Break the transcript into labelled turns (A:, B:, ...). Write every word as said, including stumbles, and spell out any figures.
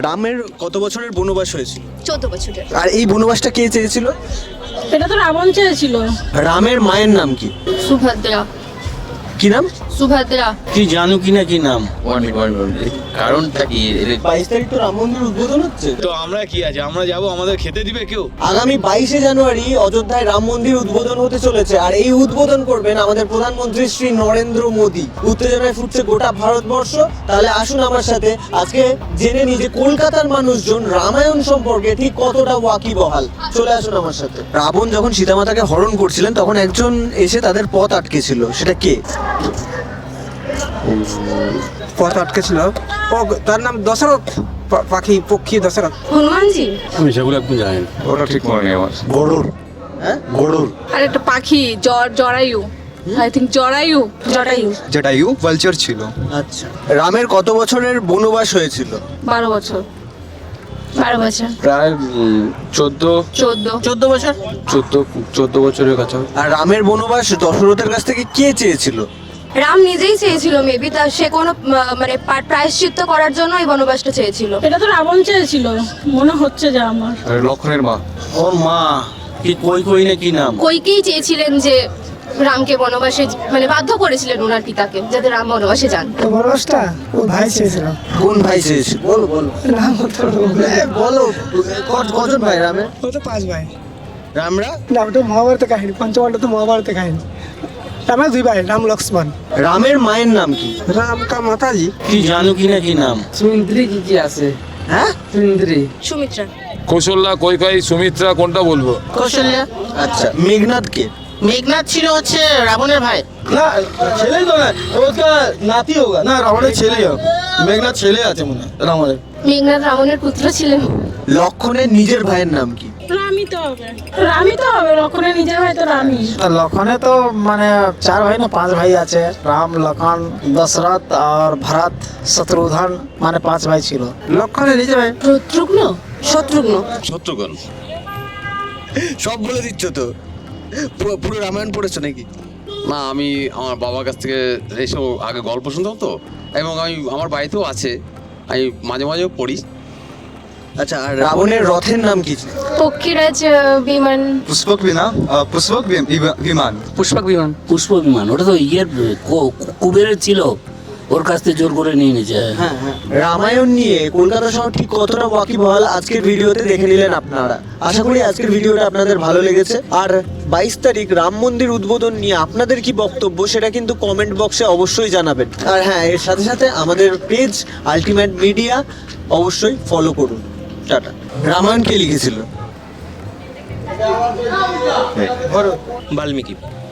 A: রামের কত বছরের বনবাস হয়েছিল?
B: চোদ্দ বছরের।
A: আর এই বনবাসটা কে চেয়েছিল?
C: এটা তো রাবণ চেয়েছিল।
A: রামের মায়ের নাম কি?
B: সুভদ্রা।
A: কি নাম?
B: সুভদ্রা।
D: তুই জানো কি না কি নাম?
E: ওয়ান মিনিট ওয়ান মিনিট কারণটা কি?
A: বাইশ তারিখ তো রাম মন্দির উদ্বোধন হচ্ছে।
D: তো আমরা কি আছে, আমরা যাব, আমাদের খেতে দিবে কেউ?
A: আগামী বাইশে জানুয়ারি অযোধ্যায় রাম মন্দির উদ্বোধন হতে চলেছে, আর এই উদ্বোধন করবেন আমাদের প্রধানমন্ত্রী শ্রী নরেন্দ্র মোদী। উত্তেজনায় ফুটছে গোটা ভারতবর্ষ। তাহলে আসুন আমার সাথে আজকে জেনে নিই যে কলকাতার মানুষজন রামায়ণ সম্পর্কে ঠিক কতটা ওয়াকিবহাল। চলে আসুন আমার সাথে। রাবণ যখন সীতামাতাকে হরণ করছিলেন তখন একজন এসে তাদের পথ আটকেছিল, সেটা কে?
F: পথ আটকেছিল, ও তার নাম দশরথ, পা- পাখি পক্ষী দশরথ।
B: হনুমানজি।
D: আমি সেগুলো একদম জানি না।
E: ওটা ঠিক মনে নেই আমার।
A: গরুর। হ্যাঁ, গরুর।
C: আর একটা পাখি জ- জরায়ু, আই থিঙ্ক জরায়ু জটায়ু।
F: জটায়ু ভালচার ছিল।
A: আচ্ছা, রামের কত বছরের বনবাস হয়েছিল?
C: বারো বছর।
B: বারো বছর।
E: প্রায় চোদ্দ
B: চোদ্দ।
A: চোদ্দ বছর।
E: চোদ্দ চোদ্দ বছরের কাছে।
A: আর রামের বনবাস দশরথের কাছ থেকে কে চেয়েছিল?
B: রাম নিজেই চেয়েছিল মেবি, তার সে কোনো আহ, মানে পা- প্রায়শ্চিত্ত করার জন্য এই বনবাসটা চেয়েছিল।
C: এটা তো রাবণ চেয়েছিল মনে হচ্ছে যা আমার।
E: লক্ষণের মা।
D: ওর মা কি কই কই না কি নাম?
B: কইকেই চেয়েছিলেন যে রামকে বনবাসে, মানে বাধ্য করেছিলেন ওনার পিতাকে যাতে রাম বনবাসে যান।
F: তো বনবাসটা ও ভাই চেয়েছিল।
A: কোন ভাই চেয়েছিল? বলো বলো।
F: নাম হতো
A: এ, বলো ক- কজন ভাই রামের?
F: ও তো পাঁচ ভাই।
A: রামরা?
F: না ওটা মহাভারতের কাহিনী, পঞ্চপাণ্ডব তো মহাভারতের কাহিনী। রামের দুই ভাই, রাম লক্ষ্মণ।
A: রামের মায়ের নাম কি?
F: রাম কা মাতাজি
D: তুই জানো কি না কি নাম?
G: সুমিন্দ্রি কি কি আছে?
A: হ্যাঁ,
G: সুমিন্দ্রি।
B: সুমিত্রা।
H: কৌশল্যা, কৈকেয়ী, সুমিত্রা, কোনটা বলবো?
G: কৌশল্যা।
A: আচ্ছা, মেঘনাথ কে?
G: মেঘনাথ ছিল হচ্ছে রাবণের ভাই।
I: না ছেলে তো না, ওটা নাতি হোগা না, রাবণের ছেলে হবে। মেঘনাথ ছেলে আছে মনে হয় রাবণের।
B: মেঘনাথ রাবণের পুত্র ছিলেন।
A: লক্ষণের নিজের ভাইয়ের নাম কি?
C: রামই তো হবে, রামই তো হবে, লক্ষণের নিজের ভাই তো রামই।
F: লক্ষণে তো মানে চার ভাই না পাঁচ ভাই আছে, রাম লক্ষণ দশরথ আর ভরত শত্রুঘ্ন, মানে পাঁচ ভাই ছিল। লক্ষণে নিজে ভাই
B: শত্রুঘ্ন। শত্রুঘ্ন।
D: শত্রুঘ্ন।
A: সব বলে দিচ্ছ তো। পুরো পুরো রামায়ণ পড়েছো নাকি?
E: না, আমি আমার বাবার কাছ থেকে এইসব আগে গল্প শুনতাম তো, এবং আমি আমার বাড়িতেও আছে, আমি মাঝে মাঝেও পড়ি।
A: আচ্ছা, আর রাবণের রথের নাম কি?
B: পক্ষীরাজ আহ, বিমান।
F: পুষ্পক বিনা পুষ্পক বিমান।
G: পুষ্পক বিমান।
J: পুষ্প বিমান, ওটা তো ইয়ের কু- কুবেরের ছিল, ওর কাছ থেকে জোর করে নিয়ে নিয়েছে।
A: হ্যাঁ হ্যাঁ। রামায়ণ নিয়ে কলকাতা শহর ঠিক কতটা ওয়াকিবহাল আজকের ভিডিওতে দেখে নিলেন আপনারা। আশা করি আজকের ভিডিওটা আপনাদের ভালো লেগেছে। আর বাইশ তারিখ রাম মন্দির উদ্বোধন নিয়ে আপনাদের কি বক্তব্য সেটা কিন্তু কমেন্ট বক্সে অবশ্যই জানাবেন। আর হ্যাঁ, এর সাথে সাথে আমাদের পেজ আলটিমেট মিডিয়া অবশ্যই ফলো করুন। টাটা। রামায়ণ কে লিখেছিল?
D: বাল্মীকি।